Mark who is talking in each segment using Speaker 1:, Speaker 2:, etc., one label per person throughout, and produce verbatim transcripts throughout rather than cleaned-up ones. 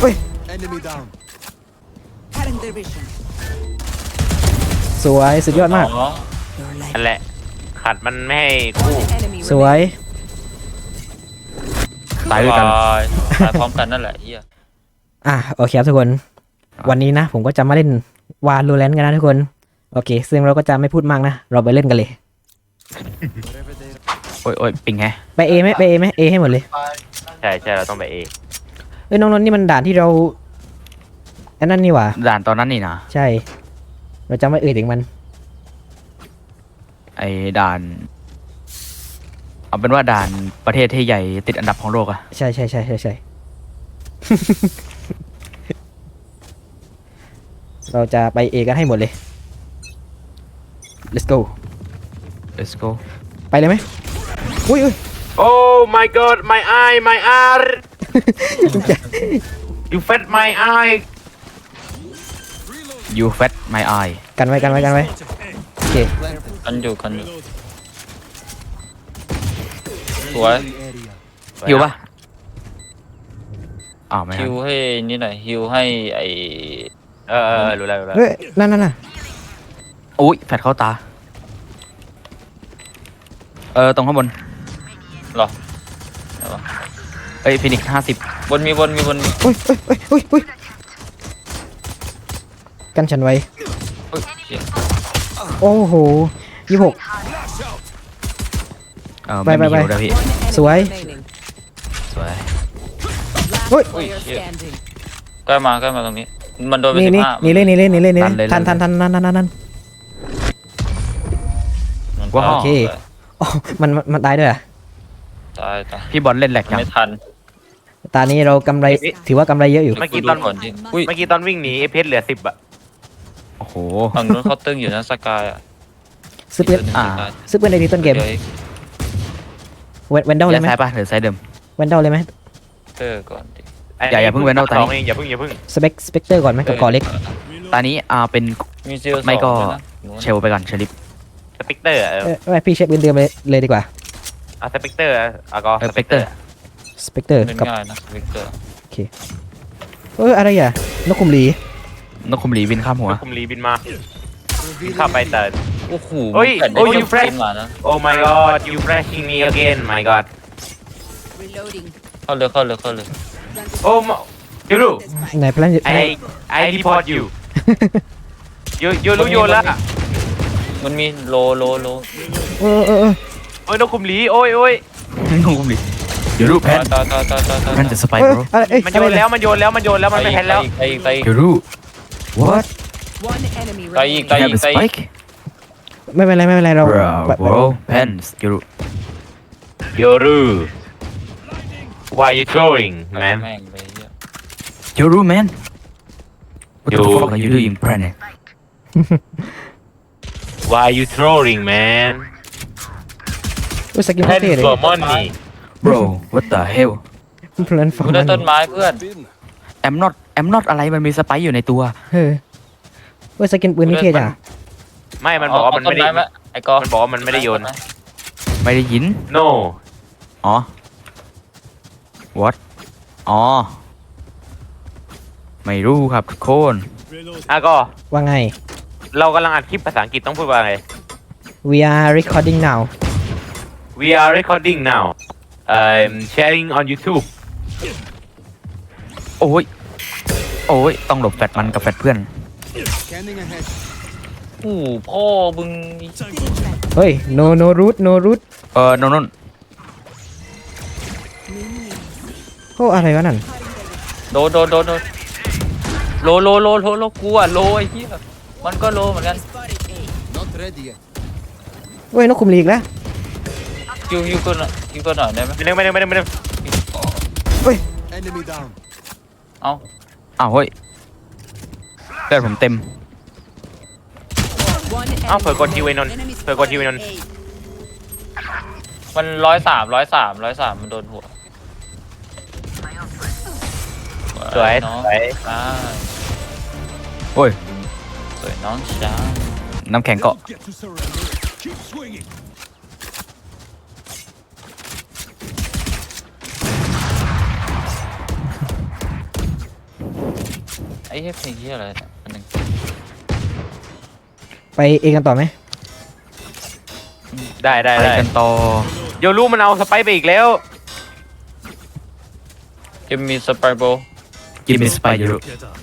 Speaker 1: เฮ้ยสวยสุดยอดมาก
Speaker 2: นั่นแหละขัดมันไม่ให้คู่
Speaker 1: สวย
Speaker 3: ตายด้วยกันตายพร้อมกันนั่นแหละเฮีย
Speaker 1: อ่ะโอเคครับทุกคนวันนี้นะผมก็จะมาเล่นวาโลแรนต์กันนะทุกคนโอเคซึ่งเราก็จะไม่พูดมากนะเราไปเล่นกันเลย
Speaker 3: โอ้ยโอ้ยปิงไง
Speaker 1: ไปเอไหมไปเอไหมเอให้หมดเลย
Speaker 2: ใช่ใช่เราต้องไปเอ
Speaker 1: เอ้ยน้องนนท์นี่มันด่านที่เราอันนั้นนี่หว่า
Speaker 3: ด่านตอนนั้นนี่นะ
Speaker 1: ใช่เราจะไม่เอ่ยถึงมัน
Speaker 3: ไอ้ด่านเอาเป็นว่าด่านประเทศที่ใหญ่ติดอันดับของโลกอะ
Speaker 1: ใช่ใช่ใช่ใช่ใช่ เราจะไปเอกันให้หมดเลย let's go
Speaker 3: let's go
Speaker 1: ไปเลยไหมอุ้ยอุ้ย
Speaker 2: Oh my god my eye my eye you fed my eye
Speaker 3: you fed my eye
Speaker 1: กันไว้กันไว้กันไว้โอเค
Speaker 3: กันอยู่กันอยู่สวยฮิวปะอ้าวไม่ฮิวให้นี่หน่อยฮิวให้ไอ
Speaker 2: เออเออรู้แล้วรู้แล้ว
Speaker 1: เฮ้ยนั่นนั่นน่ะ
Speaker 3: อุ้ยแฟดเข้าตาเออตรงข้างบนหรอเอ้ยฟินิกห้าสิบบนมีบนมีบน
Speaker 1: อุ้ยอุ้ยอุ้ยอุ้ยกันฉันไว้โอ้โหยี่หกไปไปไปสวย
Speaker 3: สวย
Speaker 1: เฮ้ย
Speaker 3: ใกล้มาใกล้มาตรงนี้มันโดนไปสิบห้า
Speaker 1: นี่เล่นนี่เล่นนี่เล่นนี่เล่นทันทันทันทันทันทันทัน
Speaker 3: ว้าว
Speaker 1: โอเคอ๋อมันมันตายด้วยอ่ะ
Speaker 3: ตายตายพี่บอลเล่นแหลกยังไม่ทัน
Speaker 1: ตอนนี้เรากำไรถือว่ากำไรเยอะอยู่
Speaker 2: เมื่อกี้ตอนเมื่อกี้ตอนวิ่งหนีเอเพชรเหลือสิบอะ
Speaker 3: โอ้โหฝั่งนู้นเขาตึงอยู่นะสกายอะ
Speaker 1: ซื้อปืนอ่าซื้อปืนในทีต้นเกมเวนเดลเลยไหม
Speaker 3: ใช่ป่ะหรือไซเดิม
Speaker 1: เวนเดลเลยไหม
Speaker 3: เตอร์ก่อนดิอย่าอย่าเพิ่งเวนเดลตอนนี้
Speaker 2: อย่าเพิ่งอย่าเพิ่ง
Speaker 1: สเปกสเปกเตอร์ก่อนไหมกับกอเล็ก
Speaker 3: ตอนนี้อ่าเป็นไม่ก็เชลไปก่อนเชลิป
Speaker 2: สเปกเตอร์เออ
Speaker 1: ไม่พี่เช็คปืนเดิมเลยเลยดีกว่า
Speaker 2: อ่ะสเปกเตอร์อ่ะก็
Speaker 3: สเปกเตอร์
Speaker 1: สเปกเตอร์กับโอเคเอออะไรอ่ะนกคุมหลี
Speaker 3: นกคุมหลีบินข้ามหัวน
Speaker 2: กคุมหลีบินมาบินข้ามไปแต่
Speaker 3: โอ้โห
Speaker 2: โอ้ยโอ้ย you fresh oh my god you freshing me again my god
Speaker 3: เข้าเลยเข้าเลยเข้าเลย
Speaker 2: โอ้ยูรู
Speaker 1: ไหนพลัน
Speaker 2: I I report you ยูยูรู้โยนละ
Speaker 3: มันมีโลโลโล
Speaker 1: เออเออ
Speaker 2: โอ้ยนกคุมหลีโอ้ยโอ้ย
Speaker 3: นกคุมหลียูรูแพนต่อต่อต่อต่อแพนจะสไปร์บร
Speaker 2: มันโยนแล้วมันโยนแล้วมันโยนแล้วมันไม่แพนแล้ว
Speaker 3: ไปไปยูรู what ไปอีกไปอีกไปอีก
Speaker 1: ไม่เป็นไรไม่เป็นไรเรา
Speaker 3: โบรแพนยูรู
Speaker 2: ยูรู why you throwing man
Speaker 3: ยูรู man what the fuck are you doing planet
Speaker 2: why you throwing man
Speaker 1: อุ้ยสกินเท่เลย
Speaker 2: for money
Speaker 3: bro what the hell
Speaker 1: เพลินฟัง
Speaker 3: มันต้นไม้เพื่อนแอมนอตแอมนอตอะไรมันมีสไปร์อยู่ในตัว
Speaker 1: เฮ้ยอุ้ยสกินปืนนี่เท่จ้ะ
Speaker 2: ไม่มันบอกว่ามันไม่ได้ไอ้กอมันบอกว่ามันไม่ได้โยน
Speaker 3: ไม่ได้ยิน
Speaker 2: no
Speaker 3: อ๋อ what อ๋อไม่รู้ครับทุกคน
Speaker 2: อ่ะก็
Speaker 1: ว่าไง
Speaker 2: เรากำลังอัดคลิปภาษาอังกฤษต้องพูดว่าไง
Speaker 1: we are recording now
Speaker 2: we are recording now I'm sharing on YouTube
Speaker 3: โอ้ยโอ้ยต้องหลบแฟดมันกับแฟดเพื่อนโอ้พ่อบึง
Speaker 1: เฮ้ย no no root no root
Speaker 3: เออโน่นโน่น
Speaker 1: โอ้อะไรวะนั่น
Speaker 3: โดนโดนโดนโดนโลโลโลโลโลกูอะโลไอ้เหี้ยมันก็โลเหมือนกัน
Speaker 1: เว้ยนกคุมหลีกแล้ว
Speaker 3: ฮิวฮิวก็หน่อยฮิวก็หน่อยได้ไหม
Speaker 2: ไม่ได้ไม่ได้ไม่ได้ไม่ได้
Speaker 1: เฮ้ย
Speaker 3: เอาเอาเฮ้ยเลือดผมเต็ม
Speaker 2: เอ้าเผื่อกดทีไว้นนเผื่อกดทีไว้นน
Speaker 3: มันร้อยสามร้อยสามร้อยสามมันโดนหัว
Speaker 2: สวยสวย
Speaker 3: โอ้ยสวยน้องช้างน้ำแข็งเกาะไอ้เหี้ยเพลงเหี้ยอะไรเนี่ยอันหนึง
Speaker 1: ไปเองกันต่อไหม
Speaker 2: ได้ได้
Speaker 3: ไป
Speaker 2: ได้
Speaker 3: กันต่อ
Speaker 2: โยรู้มันเอาสไปซ์ไปอีกแล้ว
Speaker 3: กิมมีสไปโบ
Speaker 4: กิมมิสไปยูรุ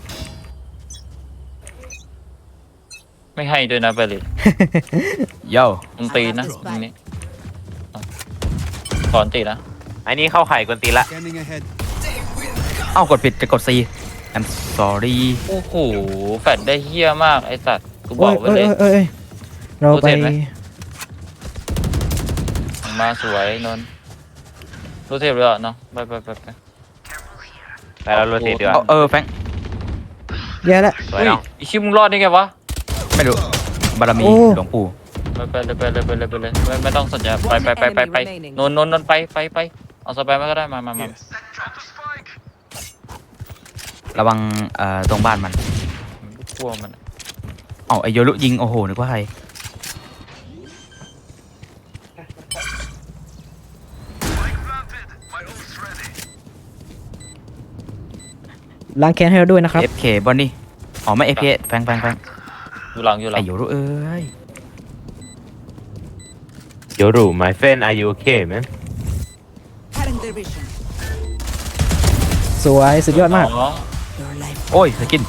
Speaker 3: ไม่ให้ด้วยนะไปเลย
Speaker 4: โย่
Speaker 3: มันตีนะตรงนี้เอาสอนตีนะ
Speaker 2: อันนี้เข้าไข่กวนตีนละ
Speaker 5: Scanning ahead.
Speaker 4: เอ้ากดผิดจะกด C I'm sorry
Speaker 3: โอ้โหแฟดได้เฮี้ยมากไอ้สัตว์กูบ
Speaker 1: โอ้
Speaker 3: อย กไว้
Speaker 1: เอ้ย
Speaker 3: เลย
Speaker 1: เอ้ยเอ้ยเราไป
Speaker 3: รู้เสร็จไหม มาสวยนนท์รู้เทปเลยเหรอเนาะไปไปไปไป
Speaker 2: ไปเราโรเตทดีกว่า
Speaker 4: เอาเออแฟง
Speaker 1: แย่แล้ว
Speaker 2: สวย
Speaker 3: อุ้ย
Speaker 2: น้อง
Speaker 3: อีชิมึงรอดได้ไงวะ
Speaker 4: ไม่รู้บารมี
Speaker 1: โอ้
Speaker 4: หลวงปู่
Speaker 3: ไปไปเลยไปเลยไปเลยไปเลยไม่ไม่ต้องสนใจไปไปไปไปไปนนท์นนท์นนท์ไปไปไปเอาสไปมาก็ได้มามามา
Speaker 4: ระวังเอ่อตรงบ้านมัน
Speaker 3: กลัวมัน
Speaker 4: เอ้าไอโยรุยิงโอ้โหนึกว่าใคร
Speaker 1: ล้างแค้นให้เราด้วยนะครับ
Speaker 4: เอฟเคบอนนี่อ๋อไม่ เอฟ เค แฟงแฟงแฟง
Speaker 3: อยู่หลังอยู่หลั
Speaker 4: ไอง โยรุเอ้ย
Speaker 2: โยรู้ my friend are you okay man
Speaker 6: Cutting their vision.
Speaker 1: สวยสุดยอดมาก
Speaker 3: อ๋อ
Speaker 6: Your life.
Speaker 4: โอ้ยสกิน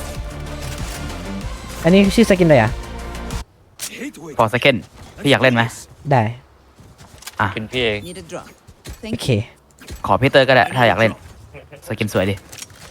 Speaker 1: อันนี้ชื่อสกินอะไรอ่ะ
Speaker 5: Hate wait.
Speaker 4: พอสเกนพี่อยากเล่นไหม
Speaker 1: ได้
Speaker 3: เป็นพี่เอง
Speaker 6: Need a drop.
Speaker 1: โอ
Speaker 6: Thank
Speaker 1: เค
Speaker 6: you.
Speaker 4: ขอพี่เตอร์ก็ได้ถ้าอยากเล่นสกินสวยดิ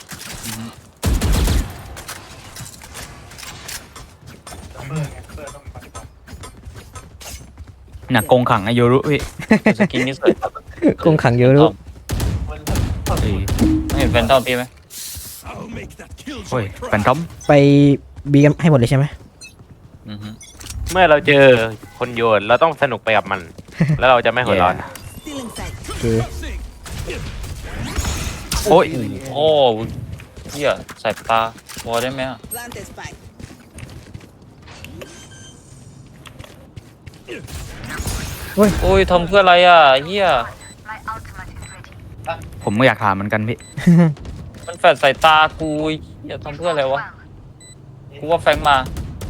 Speaker 4: หนักกงขังไอโยรุพี่
Speaker 3: สกินนี่สวย
Speaker 1: กงขังเยอะรู้
Speaker 4: เอ้ย
Speaker 3: ไม่เห็นแฟนทอมพี่ไหม
Speaker 5: I'll make that kill
Speaker 4: โอ้ย
Speaker 5: joy
Speaker 4: แฟน
Speaker 5: cry.
Speaker 4: ทอม
Speaker 1: ไปบีกันให้หมดเลยใช่ไหม
Speaker 3: อือฮึ
Speaker 2: เมื่อเราเจอคนโยนเราต้องสนุกไปกับมัน แล้วเราจะไม่หัวร้อน
Speaker 6: Still inside.
Speaker 1: โอเค
Speaker 4: โอ้ย
Speaker 3: โอ้เฮี้ยใส่ตาบอได้ไหมอ่ะ
Speaker 6: Plant a spike.
Speaker 3: โอ้ยทำเพื่ออะไรอ่ะเฮี้ย
Speaker 4: ผมก็อยากถามเหมือนกันพี่
Speaker 3: มันแฟดใส่ตากูเฮี้ยทำเพื่ออะไรวะกูว่าแฟงมา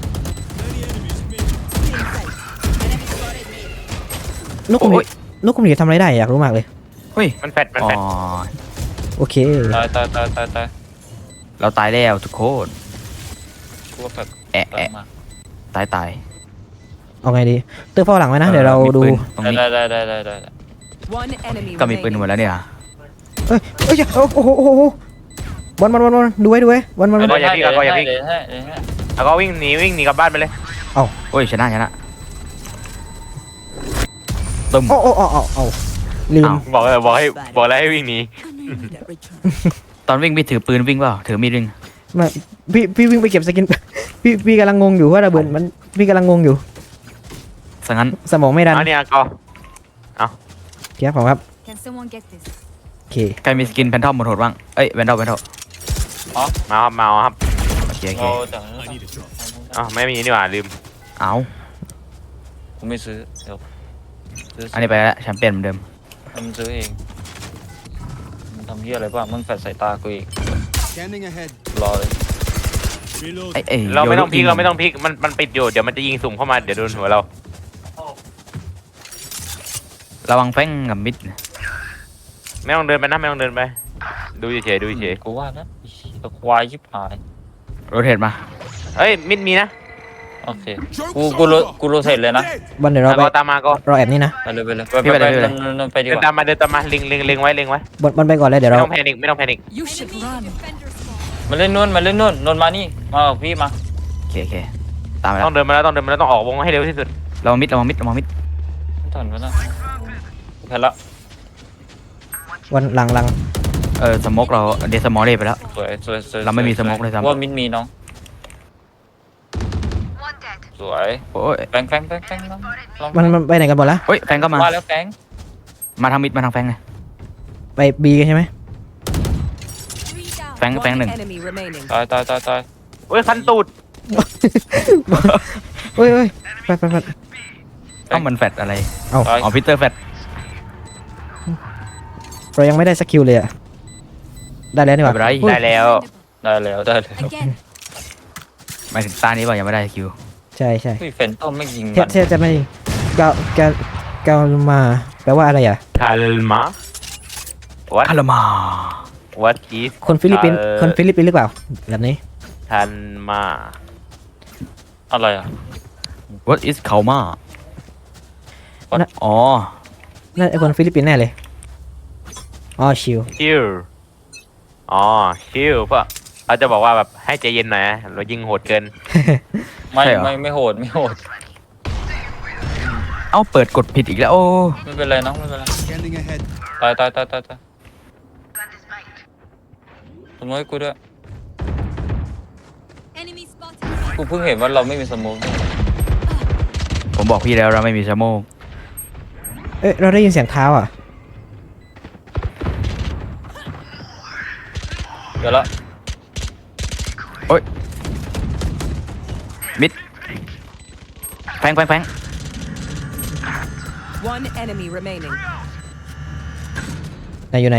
Speaker 6: Still inside. Enemy spotted me.
Speaker 1: นกคุมห
Speaker 4: โอ้
Speaker 1: นี
Speaker 4: ย
Speaker 1: นกคุมหนีทำอะไรได้อยากรู้มากเลย
Speaker 4: เฮ้ย
Speaker 2: มันแฟดมัน
Speaker 4: อ๋อ
Speaker 2: แฟด
Speaker 1: โอเค
Speaker 3: ตายตายตายตายตาย
Speaker 4: เราตายแล้วทุกคน
Speaker 3: กูว่าแฟด
Speaker 4: แอะ
Speaker 3: แฟง
Speaker 4: แอะ
Speaker 3: มา
Speaker 4: ตายตาย
Speaker 1: เอาไงดีเตอร์เฝ้าหลังไว้นะ เดี๋ยวเรา
Speaker 4: มี
Speaker 1: ดู
Speaker 4: ปืนตรงนี้
Speaker 3: ได้ได้ได้ได้ได้ได้
Speaker 6: One enemy
Speaker 4: ก็มีปืนหมด
Speaker 6: remaining.
Speaker 4: แล้วเนี่ย
Speaker 1: เอ้ยเอ้ยโอ้โหโอ้โหโอ้โหบอลบอลบอลบอลดูไว้ดูไว้บอลบอลบอล
Speaker 2: ก็อย่าพี่ก็อย่าพี่
Speaker 3: เดี๋ยวให้เดี๋ยวให้
Speaker 2: แล้วก็วิ่งหนีวิ่งหนีกลับบ้านไปเลย
Speaker 4: โอ้ยชนะชนะตึม
Speaker 1: โอ้โอ้โอ้โอ้โอ้ลืม
Speaker 4: อ้าว
Speaker 2: บอกเลยบอกให้บอกแล้วให้วิ่งหนี
Speaker 6: And I need a return.
Speaker 4: ตอนวิ่งพี่ถือปืนวิ่งเปล่าถือมีดวิ่ง
Speaker 1: มาพี่พี่วิ่งไปเก็บสกิน พี่พี่กำลังงงอยู่ว่าระเบิดมันพี่กำลังงงอยู่
Speaker 4: สังงั้น
Speaker 1: สมองไม่ดัน
Speaker 2: เอาเนี่ยก็
Speaker 1: เทียบผมครับ
Speaker 6: Can someone get this?
Speaker 1: โอเค
Speaker 4: ใครมีสกินแพนทอมหมดโหดบ้างเอ้ยแพนทอมแพนทอม
Speaker 2: มาครับมาครับ
Speaker 4: โอเคโอเค
Speaker 3: เราจาก
Speaker 5: I need a drop.
Speaker 2: อ๋อไม่มีนี่หว่าลืม
Speaker 4: เอา
Speaker 3: กูไม่ซื้อเดี๋ยวซื้อ
Speaker 4: อันนี้ไปแล้วแชมเปี้ยนเหมือนเดิม
Speaker 3: มันซื้อเองมันทำเหี้ยอะไรบ้างมันแฟดใส่ตากูอีก
Speaker 5: Scanning ahead.
Speaker 3: รอเลย
Speaker 5: Reload.
Speaker 4: ไอ้ไอ้
Speaker 2: เราไม่ต้องพลิก
Speaker 4: โย
Speaker 2: เราไม่ต้องพลิกมันมันปิดอยู่เดี๋ยวมันจะยิงสุ่มเข้ามาเดี๋ยวโดนหัวเรา
Speaker 4: ระวังแป้งกับมิด
Speaker 2: ไม่ต้องเดินไปนะไม่ต้องเดินไป ดูเฉยๆดูเฉย
Speaker 3: กูว่านะไอ้เหี้ยควายชิบหาย
Speaker 4: โรเทตมา
Speaker 2: ๆเฮ้ยมิดมีนะ
Speaker 3: โอเคกูกูรู้กูรู้เสร็จเลยนะ
Speaker 1: บอลเดี๋ยวเรา
Speaker 2: แล้ว
Speaker 1: ไป
Speaker 2: ก็ตามมาก็
Speaker 1: รอแอบนี่นะ
Speaker 3: ไปเลยไปเลยไปไปไปไปไปดี
Speaker 2: เดิ
Speaker 3: ก
Speaker 2: นตา
Speaker 3: ว่าม
Speaker 2: มาเดินตามมาเล็งเล็งเล็งไว้เล็งไว้
Speaker 1: บอลบอลไปก่อนเลยเดี๋ยว
Speaker 2: ไม่
Speaker 1: เรา
Speaker 2: ต้องแพนิคไม่ต้องแพนิค
Speaker 6: You should run.
Speaker 3: มาเล่นนู่นมาเล่นนู่นนนมานี่มากับพี่มา
Speaker 4: โอเคโอเคตามไปแล้
Speaker 2: ต้อ
Speaker 4: ว
Speaker 2: งเดินมาแล้วต้องเดินมาแล้วต้องออกวงให้เร็วที่สุด
Speaker 4: ระวังมิดระวังมิดระวังมิด
Speaker 3: ถอนมานะแพ้ละ
Speaker 1: วันหลังหลัง
Speaker 4: เออสโมกเราเดสมอลเล่ไปแล้ว
Speaker 3: สวยสวยสวย
Speaker 4: เราไม่มีสโมกเลยซ้ำ
Speaker 3: ว่ามินมีน้องสวย
Speaker 4: โอ้ย
Speaker 3: แฟงแฟงแฟงแฟงน้องลอง
Speaker 1: มันมันไปไหนกันหมดละ
Speaker 4: เฮ้ยแฟงก็มา
Speaker 3: ว่าแล้วแฟง
Speaker 4: มาทางมิดมาทางแฟงเลย
Speaker 1: ไปบีกันใช่ไหม
Speaker 4: แฟงแฟง
Speaker 6: One
Speaker 4: หนึ่ง
Speaker 6: enemy remaining.
Speaker 3: ตายตายตายตาย
Speaker 2: เฮ้ยคันตูด
Speaker 1: เฮ้ยเฮ้ยไปไปไป
Speaker 4: ต้องมันแฟดอะไร
Speaker 1: เอา
Speaker 3: ตาย
Speaker 4: อ๋อพีเตอร์แฟด
Speaker 1: เรายังไม่ได้สกิลเลยอะได้แล้วนี่ห
Speaker 4: ไม่
Speaker 1: ว่า
Speaker 4: เป็นไร
Speaker 1: เฮ้ย
Speaker 2: ได้แล้ว
Speaker 3: ได้แล้วได้แล้ว
Speaker 6: Again.
Speaker 4: หมายถึงตานี้เปล่ายังไม่ได้คิว
Speaker 1: ใช่ใช่
Speaker 3: พี่เฟนต้อมไม่ยิง
Speaker 1: เท
Speaker 3: มัน
Speaker 1: เทจะไม่เกาเกาเกามาแปลว่าอะไรอ่ะ
Speaker 2: Kalma What
Speaker 4: คารามา
Speaker 2: What is
Speaker 1: คนฟิลิปปินส์
Speaker 2: เอ่อ
Speaker 1: คนฟิลิปปินส์หรือเปล่าแบบนี้
Speaker 2: Kalma
Speaker 3: อะไรอ่ะ
Speaker 4: what is เขามา
Speaker 1: น่ะ
Speaker 4: อ๋อ
Speaker 1: น่าไอคนฟิลิปปินส์แน่เลยอ๋อชิว
Speaker 2: ชิลอ๋อชิลป่ะเขาจะบอกว่าแบบให้ใจเย็นหน่อยนะเรายิงโหดเกิน
Speaker 3: ไม่
Speaker 4: ใช่เหรอ
Speaker 3: ไม่ไม่โหดไม่โหด
Speaker 4: เอ้าเปิดกดผิดอีกแล้วโอ้
Speaker 3: ไม่เป็นไรน้องไม่เป็นไร
Speaker 5: Scanning ahead.
Speaker 3: ตายตายตายตายตายสมมติให้กูด้วย
Speaker 6: Enemy spotted.
Speaker 3: กูเพิ่งเห็นว่าเราไม่มีสโมอง
Speaker 4: ผมบอกพี่แล้วเราไม่มีชั่วโมง
Speaker 1: เอ้ยเราได้ยินเสียงเท้าอ่ะ
Speaker 3: เดี๋ยวละ
Speaker 4: มิดแฟงแฟงแฟง
Speaker 6: One enemy remaining.
Speaker 1: ไหนอยู่ไหน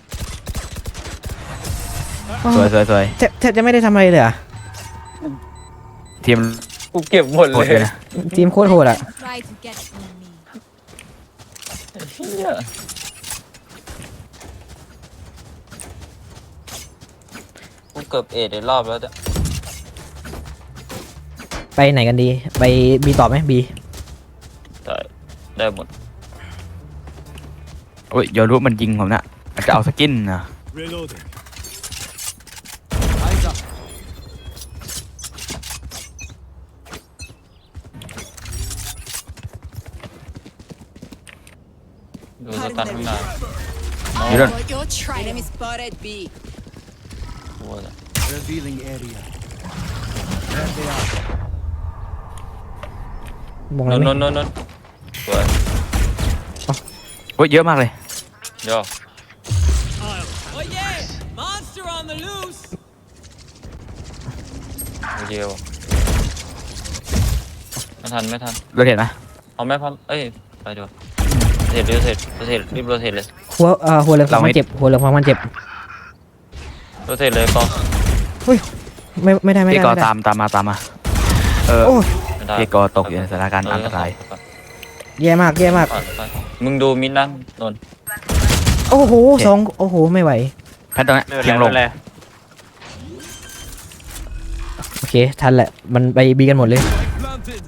Speaker 4: สวยสวยสวย
Speaker 1: แทบแทบจะไม่ได้ทำอะไรเลยอ่ะ
Speaker 4: ทีม
Speaker 3: กูเก็บหมด
Speaker 4: โห
Speaker 3: เล
Speaker 4: ดเลย ยนะ
Speaker 1: ทีมโคตรโหดอ่ะ
Speaker 6: Try to get from me.
Speaker 3: เหี้ยกูเกือบเอ็ดในรอบแล้วจ้ะ
Speaker 1: ไปไหนกันดี ไปบีต่อไหมบี
Speaker 3: ได้ได้หมด
Speaker 4: โอ้ยโยรุมันยิงผมนะมันจะเอาสกินนะ
Speaker 5: Reloading. Eyes up.
Speaker 3: ดูสตันข้างหน้า
Speaker 4: ยูโดน
Speaker 6: You're trying. Enemy spotted B.
Speaker 3: กลัวจ้ะ
Speaker 5: Revealing area. There they are.
Speaker 1: มอง
Speaker 3: น
Speaker 1: แล้ว
Speaker 3: น
Speaker 1: ไหม
Speaker 3: นนนนสวย
Speaker 4: โอ้ยเยอะมากเลย
Speaker 3: เดี๋ยว
Speaker 7: Oh yeah! Monster on the loose!
Speaker 3: โอเคว่ะไม่ทันไม่ทัน
Speaker 4: เราเห็นนะ
Speaker 3: เอาแม่พันเอ้ยไปดีกว่าเสร็จรีบเสร็จเสร็จรีบโรเทตเลย
Speaker 1: หัวเอ่อหัวเหลืองฟังมันเจ็บหัวเหลืองฟังมันเจ็บ
Speaker 3: โรเทตเลยก็
Speaker 1: ไม่ไม่ได้ไม่
Speaker 4: พี่
Speaker 1: ได้
Speaker 4: กอ
Speaker 1: ไม่ได้
Speaker 4: ตามตามมาตามมาเออ
Speaker 1: โอ้ย
Speaker 3: ไม่ได้
Speaker 4: พี่กอตกอยู่ในสถานการณ์อันตราย
Speaker 1: แย่มากแย่มาก
Speaker 3: ผ่านไปมึงดูมินนั่นนน
Speaker 1: โอ้โหสองโอ้โหไม่ไหว
Speaker 4: แพทตรงนี้
Speaker 2: ไม่เป็น
Speaker 4: เพี
Speaker 2: ไร
Speaker 4: ยงล
Speaker 2: ไม่
Speaker 4: ง
Speaker 2: เป็นไร
Speaker 1: โอเคทันแหละมันไปบีกันหมดเลย
Speaker 5: Planted.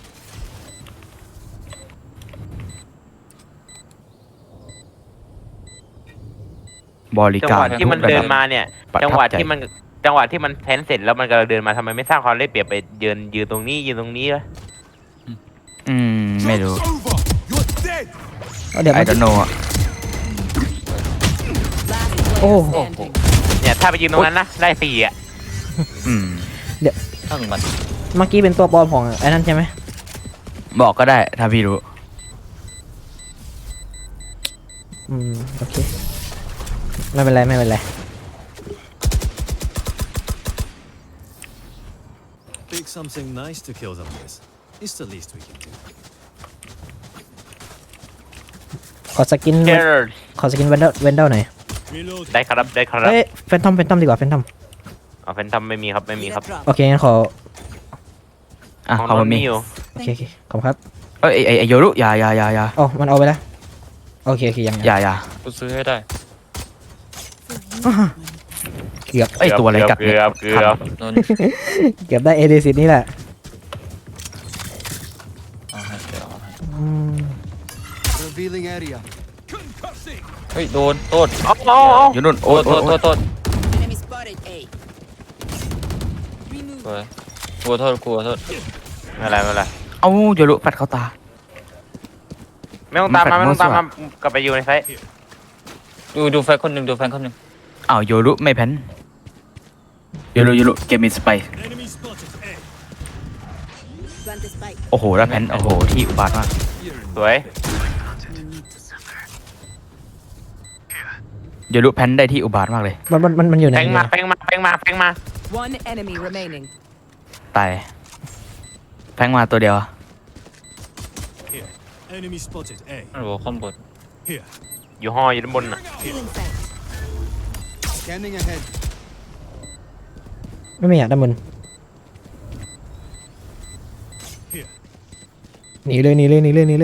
Speaker 4: บริ
Speaker 2: จัง
Speaker 4: กา
Speaker 2: ห
Speaker 4: ร
Speaker 2: วะที่มันเดินมาเนี่ย
Speaker 4: ประ
Speaker 2: จัง
Speaker 4: ทั
Speaker 2: ห
Speaker 4: บ
Speaker 2: วะ
Speaker 4: ใจ
Speaker 2: ที่มันจังหวะที่มันแพนเสร็จแล้วมันกำลังเดินมาทำไมไม่สร้างความได้เปรียบไปยืนยืนตรงนี้ยืนตรงนี้วะ
Speaker 4: อืมไม่รู้
Speaker 5: Joke's over. You're dead.
Speaker 1: เอาเดี๋ยว
Speaker 4: ไอ
Speaker 1: มัน
Speaker 4: ดอนโนอ่ะ
Speaker 6: Last player
Speaker 1: Oh.
Speaker 6: standing.
Speaker 2: เนี่ยถ้าไปยืนตรงนั้นนะได้สี่อ่ะ
Speaker 4: อืม
Speaker 3: ทั้งมัน
Speaker 1: เมื่อกี้เป็นตัวปลอมของไอ้นั่นใช่ไหม
Speaker 4: บอกก็ได้ถ้าพี่รู้
Speaker 1: อืมโอเคไม่เป็นไรไม่เป็นไร
Speaker 5: Pick something nice to kill them with. It's the least we can do.
Speaker 1: ขอสกิน
Speaker 2: เจอร์
Speaker 1: ขอสกินเวนเดอร์เวนเดอร์หน่อย
Speaker 5: Reloading.
Speaker 2: ได้ครับได้ครับ
Speaker 1: เอ้ยแฟนทอมแฟนทอมดีกว่าแฟนทอม
Speaker 2: เอาแฟนทอมไม่มีครับไม่มีครับ
Speaker 1: โอเคงั้นขอ
Speaker 4: อ่ะ
Speaker 2: ของ
Speaker 4: เขา
Speaker 2: น
Speaker 4: มัน
Speaker 2: น
Speaker 4: มี
Speaker 2: มีอยู่
Speaker 1: โอเคโอเคขอบคุณครับ
Speaker 4: เอ้ยไอไอ้ไอโยรุอย่าอย่าอย่าอย่า
Speaker 1: อ๋อมันเอาไปแล้วโอเคโอเคยัง
Speaker 4: อย่าอย่า
Speaker 3: กูซื้อให้ได้
Speaker 1: อ่าเกือบ
Speaker 4: ไอยตัวอะไรกัด
Speaker 2: เกือบเกือบ
Speaker 3: นน
Speaker 1: เกือบได้เอเดซิตนี่แหละ
Speaker 3: เอาให้เดี๋ยวเอาให้
Speaker 1: อืม
Speaker 5: Revealing area.
Speaker 3: เฮ้ยโดนโทษ
Speaker 2: เอาเอาเอา
Speaker 4: อยู่นู่น
Speaker 3: โท
Speaker 4: โอ้
Speaker 3: ษ
Speaker 4: ย
Speaker 3: โท
Speaker 4: โอ้ย
Speaker 3: ษโท
Speaker 4: โอ้ย
Speaker 3: ษโทษ
Speaker 6: Enemy spotted A. Remove.
Speaker 3: สวยกลัวโทษกลัวโทษ
Speaker 2: ไม่เป็นไรไม่เป็นไร
Speaker 4: เอาโยรุแฟดเข้าตา
Speaker 2: ไม่ต้องตามมา
Speaker 4: มั
Speaker 2: ไม่
Speaker 4: น
Speaker 2: ต้องตาม
Speaker 4: แฟ
Speaker 2: มา
Speaker 4: ลช
Speaker 2: กลับไปอยู่ในไซต์
Speaker 3: ดูดูแฟนคนหนึ่งดูแฟนคนหนึ่ง
Speaker 4: อ้าวโยรุไม่แพ้นโยรุโยรุเกมมีสไป
Speaker 5: Enemy spotted. A.
Speaker 6: Plant the spike.
Speaker 4: โอ้โหแล้วแพ้นโอ้โหที่อุบาทมาก
Speaker 2: สวย
Speaker 4: โยรุแพ้นได้ที่อุบาทมากเลย
Speaker 1: มันมันมันมันอยู่ไหน
Speaker 2: แฟงมาแฟงมาแฟงมาแฟงมา
Speaker 6: One enemy remaining.
Speaker 4: ตายแพ้งมาตัวเดียว
Speaker 5: Here. Enemy spotted. A.
Speaker 3: มันบอกข้างบน
Speaker 5: Here.
Speaker 2: อยู่ห้ออยู่ด้านบนน่ะ
Speaker 6: Healing sight.
Speaker 5: Scanning ahead.
Speaker 1: ไม่ไม่อยากด้านบนหนีเลยหนีเลยหนีเลยหนีเลย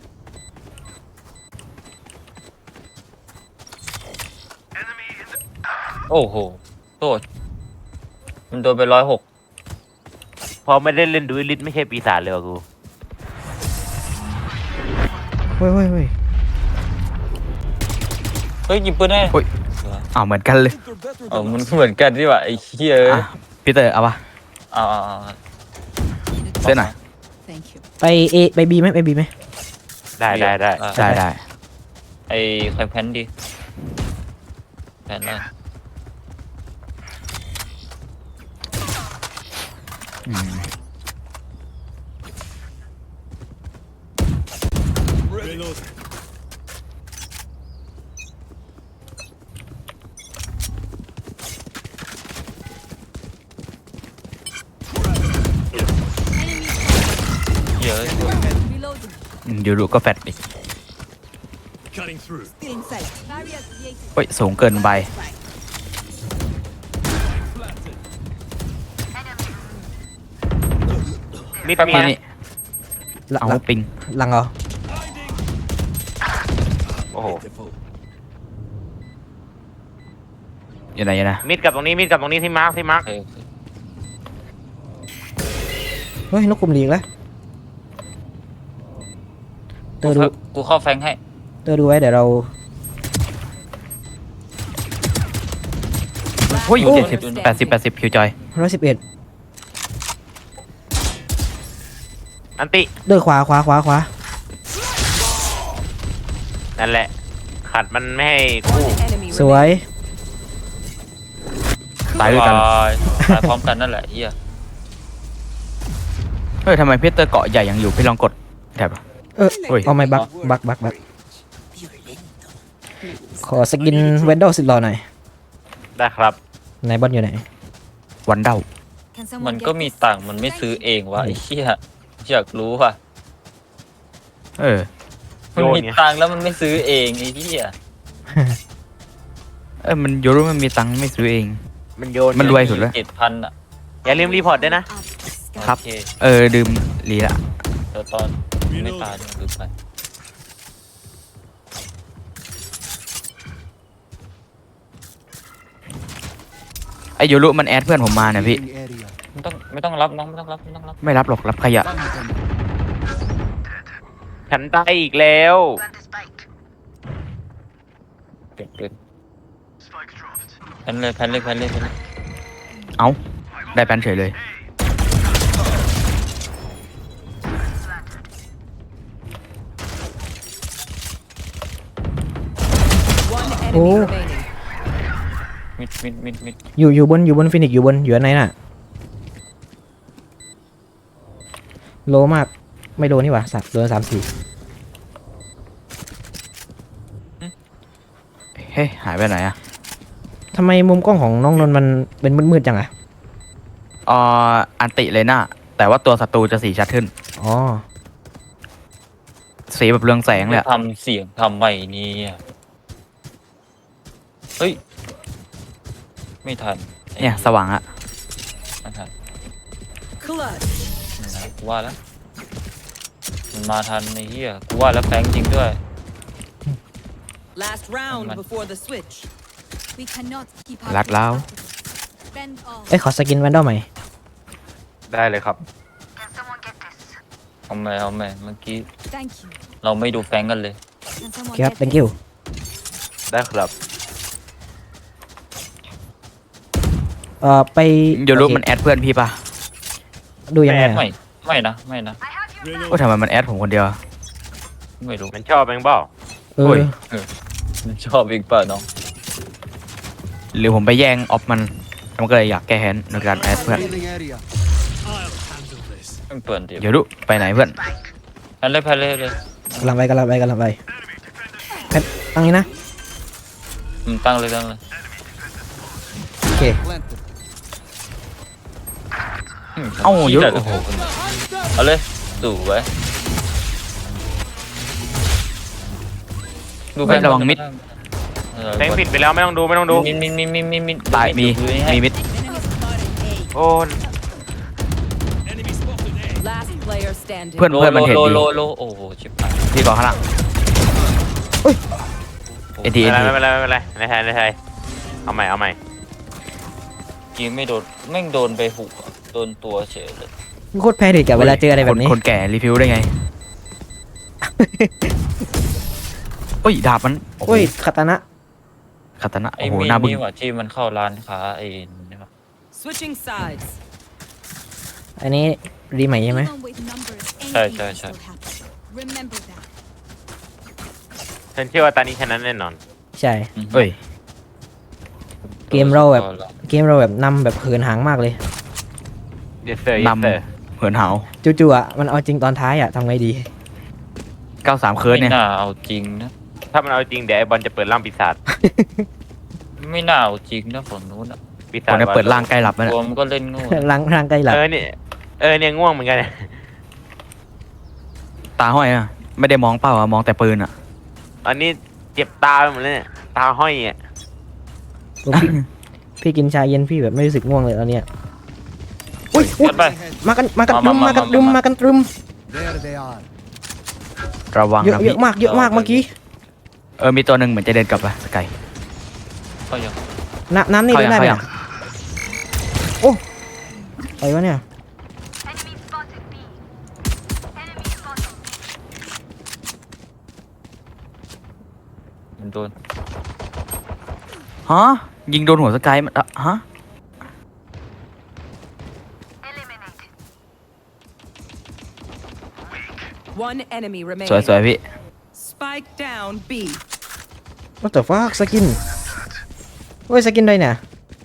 Speaker 3: โอ้โหโทษมันโดนไปร้อยหก
Speaker 2: พอไม่ได้เล่นดูลิทไม่ใช่ปีศาจเลยว่ะกู
Speaker 1: เฮ้ยเฮ้ยเฮ้ย
Speaker 3: เฮ้ยหยิบปืนได้
Speaker 4: โอ้ยอ้าวเหมือนกันเลย
Speaker 3: เออมันเหมือนกันที่ว่าไอ้เหี้ยเอ้ย
Speaker 4: อ่ะพี่เตอร์เอาปะ
Speaker 3: เอาเอาเอา
Speaker 4: เส้นหน่อย
Speaker 6: Thank you.
Speaker 1: ไปเอไปบีไหมไปบีไหม
Speaker 2: ได้ได้ได้
Speaker 3: อ่ะ
Speaker 4: ได้ได้
Speaker 3: ไอ้ใครแพนดิแพนเลย
Speaker 4: อืม
Speaker 5: Reload.
Speaker 3: เหี้ยเอ้ย
Speaker 6: Reloading.
Speaker 4: อืมเดี๋ยวดูก็แฟดอีก
Speaker 5: Cutting through.
Speaker 6: Still inside. Barrier created.
Speaker 4: เฮ้ยสูงเกินไป
Speaker 6: Spike.
Speaker 2: มิด
Speaker 3: แป๊บ
Speaker 2: มี
Speaker 3: มา
Speaker 2: นะ
Speaker 4: นี่
Speaker 1: หลัง
Speaker 4: เอา
Speaker 1: หลัง
Speaker 4: ปิง
Speaker 1: หลังเหรอ
Speaker 2: โอ้โห
Speaker 4: อยู่ไหนอยู่นะ
Speaker 2: มิดกับตรงนี้มิดกับตรงนี้ที่มาร์คที่มาร์ค
Speaker 3: เออ
Speaker 1: เฮ้ยนกกลุ่มหลีกแล้วเตอร์ดู
Speaker 3: กูเข้าแฟงให้
Speaker 1: เตอร์ดูไว้เดี๋ยวเรา
Speaker 4: เฮ้ย
Speaker 1: โอ้
Speaker 4: เจ็ดสิบแปดสิบแปดสิบคิวจอย
Speaker 1: ร้อยสิบเอ็ด
Speaker 2: อันติ
Speaker 1: เตอร์ขวาขวาขวาขวา
Speaker 2: นั่นแหละ ขัดมันไม่ให้คู่
Speaker 6: One enemy
Speaker 1: สวย
Speaker 6: remaining.
Speaker 4: ตายด้วยกัน
Speaker 3: ตายตายพร้อมกันนั่นแหละเหี้ย
Speaker 4: เฮ้ยทำไมพี่เตอร์เกาะใหญ่ยังอยู่พี่ลองกดแถบ
Speaker 1: เออ
Speaker 4: เฮ้ย
Speaker 1: เอาไม่บักบักบักบักขอสกินเวนดอลสิบหล่อหน่อย
Speaker 2: ได้ครับ
Speaker 1: ไหนบอลอยู่ไหน
Speaker 4: วันเดา
Speaker 6: Can someone
Speaker 3: มัน
Speaker 6: get
Speaker 3: ก็มี
Speaker 6: this?
Speaker 3: ตังค์มันไม่ซื้อเองวะไอ้เหี้ยอยากรู้ว่ะ
Speaker 4: เออ
Speaker 3: มันมีตังค์แล้วมันไม่ซื้อเองไอ้เหี้ย
Speaker 4: เออมันยูรู้มันมีตังค์ไม่ซื้อเอง
Speaker 2: มันโยน
Speaker 4: มันรวยสุดแล้ว
Speaker 3: เจ็ดพันอ่ะ
Speaker 2: อย่าลืมรีพอร์ตด้วยนะ
Speaker 4: ครับ
Speaker 3: โอเค
Speaker 4: เออดื่มลีละ
Speaker 3: เดี๋ยวตอนไม่ตายเนี่ยลืมไป
Speaker 4: ไอยูรุมันแอดเพื่อนผมมาเนี่ยพี่
Speaker 3: ไม่ต้องไม่ต้องรับน้องไม่ต้องรับไม่ต้องรับ
Speaker 4: ไม่รับหรอกรับขยะ
Speaker 2: ฉันตายอีกแล้ว
Speaker 3: เก็บปืนแพนเลยแพนเลยแพนเลยแพนเลย
Speaker 4: เอ้าได้แปนเฉยเลย
Speaker 6: One enemy
Speaker 1: Oh.
Speaker 6: remaining.
Speaker 3: มิดมิดมิดมิด
Speaker 1: อยู่อยู่บนอยู่บนฟินิกซ์อยู่บนอยู่อันไหนน่ะโลมากไม่โดนนี่หว่าสัตว์โดนสามสี่
Speaker 4: เฮ้ยหายไปไหนอะ
Speaker 1: ทำไมมุมกล้องของน้องนนท์มันเป็นมืดๆจังอะ
Speaker 4: อ่ออันติเลยนะแต่ว่าตัวศัตรูจะสีชัดขึ้น
Speaker 1: อ๋อ
Speaker 4: สีแบบเรืองแสงเลยอะ
Speaker 3: ทำเสียงทำไมเนี่ยเฮ้ยไม่ทัน
Speaker 4: เนี่ยสว่างอะ
Speaker 3: ไม่ทัน
Speaker 6: Clutch.
Speaker 3: นะกูว่าแล้วมันมาทันในเหี้ยกูว่าแล้วแฟงจริงด้วย
Speaker 6: Last round
Speaker 3: Come on.
Speaker 6: before the switch.
Speaker 8: We cannot keep up
Speaker 4: รัด
Speaker 8: with
Speaker 4: แล้ว
Speaker 8: practice. Bend all.
Speaker 1: เอ้ยขอสกินแวนดอลใหม่
Speaker 2: ได้เลยครับ
Speaker 3: เอาแม่เอาแม่เมื่อกี้
Speaker 8: Thank you.
Speaker 3: เราไม่ดูแฟงกันเลย
Speaker 8: Can someone
Speaker 1: ครับ
Speaker 8: get
Speaker 1: thank
Speaker 8: this?
Speaker 1: you
Speaker 2: ได้ครับ
Speaker 1: เอ่อไป
Speaker 4: ยูรุ
Speaker 1: โอเค
Speaker 4: มันแอดเพื่อนพี่ปะ
Speaker 1: ดูยังไง
Speaker 3: ไม่
Speaker 1: อะ
Speaker 3: ไม่นะไม่นะ
Speaker 4: โอ้ยทำไมมันแอดผมคนเดียวอะ
Speaker 3: ไม่รู้
Speaker 2: มันชอบเองเปล่า
Speaker 1: เอ
Speaker 4: โอ้
Speaker 1: อย
Speaker 3: มันชอบอีกเปล่าน้อง
Speaker 4: หรือผมไปแย่งออฟมันมันก็เลยอยากแก้แค้นในการแอดเพื่อน
Speaker 5: I'll handle this.
Speaker 3: ไม่เปิดเดี๋ยว
Speaker 4: ยูรุไปไหนเพื่อน
Speaker 3: แพนเลยแพนเลยเลย
Speaker 1: กำลังไปกำลังไปกำลังไปแพทตั้งนี้นะ
Speaker 3: อืมตั้งเลยตั้งเลย
Speaker 1: โอเค
Speaker 3: ม
Speaker 4: เอ้ายูรุ
Speaker 3: โอ้โหเอาเลยดูไว้ดู
Speaker 4: เฮ้ยระวังมิด
Speaker 3: เออ
Speaker 2: แทงผิดไปแล้วไม่ต้องดูไม่ต้องดู
Speaker 3: มิดมิดมิดมิดมิดมิด
Speaker 4: ตายมี
Speaker 3: ดูให้
Speaker 4: มีมิด
Speaker 2: โอ้น
Speaker 7: Enemy spotted A.
Speaker 6: Last player standing.
Speaker 4: เพื่อน
Speaker 3: โล
Speaker 4: เพื่อนมันเห็น
Speaker 3: โล
Speaker 4: ดี
Speaker 3: โลโลโอ้โหชิบหาย
Speaker 4: พี่ก่อนข้างหลังเอ็นที
Speaker 2: ไม่
Speaker 4: เอ็น
Speaker 2: เป็น
Speaker 4: ที
Speaker 2: ไรไม่เป็นไรไม่เป็นไรในไทยในไทยเอาใหม่เอาใหม่
Speaker 3: ยิงไม่โดนแม่งโดนไปหุบอะโดนตัวเฉยเลย
Speaker 1: โคตรแพนิคกับเวลาเจออะไรแบบนี้
Speaker 4: คนแก่รีวิวได้ไงโอ้ยดาบมันโอ้
Speaker 1: โอ้ยคาตานะ
Speaker 4: คาตานะ
Speaker 3: ไอ้
Speaker 4: โอ้โห
Speaker 3: มีด
Speaker 4: หน้าบึ้ง
Speaker 3: นี่หว่าที่มันเข้าร้านค้าไอ้นี่ปะ
Speaker 6: Switching sides.
Speaker 1: อันนี้รีใหม่ใช่ไหม
Speaker 8: Even with numbers,
Speaker 3: Sorry,
Speaker 8: anything
Speaker 3: sorry,
Speaker 8: can
Speaker 3: sorry.
Speaker 8: still happen. Remember that.
Speaker 2: ฉันเชื่อว่าตอนนี้ชนะแน่นอน
Speaker 1: ใช่
Speaker 4: เอ้ย
Speaker 1: เกมเราแบบ เกมเราแบบนำแบบเหินหางมากเลย
Speaker 2: yes sir yes
Speaker 4: น
Speaker 2: sir
Speaker 4: ำเหินหาว
Speaker 1: จู่ๆอ่ะมันเอาจริงตอนท้ายอ่ะทำไงดี
Speaker 4: เก้าสามเคิร์ด
Speaker 3: ไม่
Speaker 4: เนี่ย
Speaker 3: น่าเอาจริงนะ
Speaker 2: ถ้ามันเอาจริงเดี๋ยวไอ้บอลจะเปิดร่างปีศาจ
Speaker 3: ไม่น่าเอาจริงนะฝั่งนู้นอะ
Speaker 2: ปี
Speaker 4: ค
Speaker 2: ศาจ
Speaker 4: นเนี่ยเปิดร่างใกล้หลับแล้ว
Speaker 3: ตั
Speaker 4: เนี่
Speaker 3: วย มันก็เล่นโง่
Speaker 1: ร่างร่างใกล้หลับ
Speaker 2: เออเนี่ยเออเนี่ยง่วงเหมือนกันเนี่ย
Speaker 4: ตาห้อยอ่ะไม่ได้มองเป้าอ่ะมองแต่ปืนอ่ะ
Speaker 2: ตอนนี้เจ็บตาไปหมดเลยเนี่ยตาห้อยอ่ะ
Speaker 1: พี่พี่กินชาเย็นพี่แบบไม่รู้สึกง่วงเลยตอนเนี้ยอุ้ยอุ๊ย
Speaker 3: กันไป
Speaker 1: มากันมากันตรึม
Speaker 3: มา
Speaker 1: มา
Speaker 3: มา
Speaker 1: กันตรึม
Speaker 3: มา
Speaker 1: มากันตรึม
Speaker 5: There they are.
Speaker 4: ระวัง
Speaker 1: เยอะ
Speaker 4: นะ
Speaker 1: เย
Speaker 4: พี่
Speaker 1: อะมากเยอะมากเมื่อกี้
Speaker 4: เออมีตัวหนึ่งเหมือนจะเดินกลับไปสกาย
Speaker 3: ก็ยัง
Speaker 1: น้ำน้ำนี่
Speaker 4: เข้า
Speaker 1: เดิ
Speaker 4: ยั
Speaker 1: น
Speaker 4: ง
Speaker 1: ได้ไหม
Speaker 4: เข้ายัง
Speaker 1: โอ้อะไรวะเนี่ย
Speaker 3: มันโดน
Speaker 4: ฮะยิงโดนหัวสกายมันอะฮะ
Speaker 6: One enemy
Speaker 4: สวย
Speaker 6: remaining.
Speaker 4: สวยพี่
Speaker 6: Spike down B.
Speaker 1: What the fuck สกินเฮ้ยสกินได้เนี่ย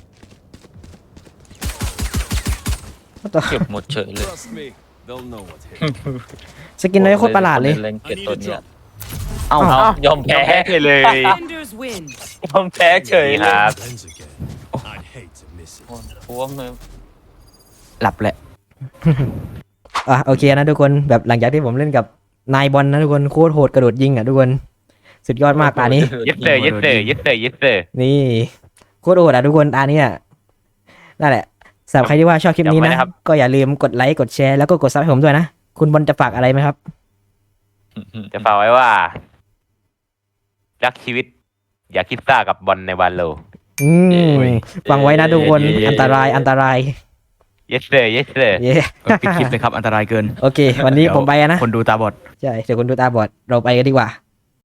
Speaker 1: What the
Speaker 3: เก็บหมดเฉยเลย
Speaker 5: Trust me, they'll know what hit.
Speaker 1: สกินได้โคตรประหลาดเลย
Speaker 3: เล่นเก็บตัวเนี้ย
Speaker 4: เอ้า
Speaker 3: เอายอมแพ้
Speaker 2: แพ้เลย
Speaker 6: Defenders win.
Speaker 3: ยอมแพ้เฉย
Speaker 2: นี่
Speaker 3: เล
Speaker 2: ค
Speaker 3: ย
Speaker 2: รับ
Speaker 5: Lens again. I'd hate to miss it.
Speaker 3: ท้วมเลย
Speaker 4: หลับแหละ
Speaker 1: อ่ะโอเคนะทุกคนแบบหลังจากที่ผมเล่นกับนายบอลนะทุกคนโคตรโหดกระโดดยิงอ่ะทุกคนสุดยอดมากตานี้
Speaker 2: yes sir yes sir yes sir yes sir
Speaker 1: นี่โคตรโหดอ่ะทุกคนตานี้อ่ะนั่นแหละสำหรับใครที่ว่าชอบคลิปนี้
Speaker 2: จำไว้
Speaker 1: นะ
Speaker 2: นะครับ
Speaker 1: ก็อย่าลืมกดไลค์กดแชร์แล้วก็กดซับให้ผมด้วยนะ คุณบอลจะฝากอะไรไหมครับ
Speaker 2: จะฝากไว้ว่ารักชีวิต อย่าคิดซ่ากับบอลในวันโล
Speaker 1: อืมฟังไว้นะทุกคนอันตรายอันตราย
Speaker 2: yes sir yes sir
Speaker 1: เย้
Speaker 4: เออปิดคลิปเลยครับอันตรายเกิน
Speaker 1: โอเค วันนี้ผมไปอะนะ
Speaker 4: คนดูตาบอด
Speaker 1: ใช่เดี๋ยวคุณดูตาบอดเราไปกันดีกว่า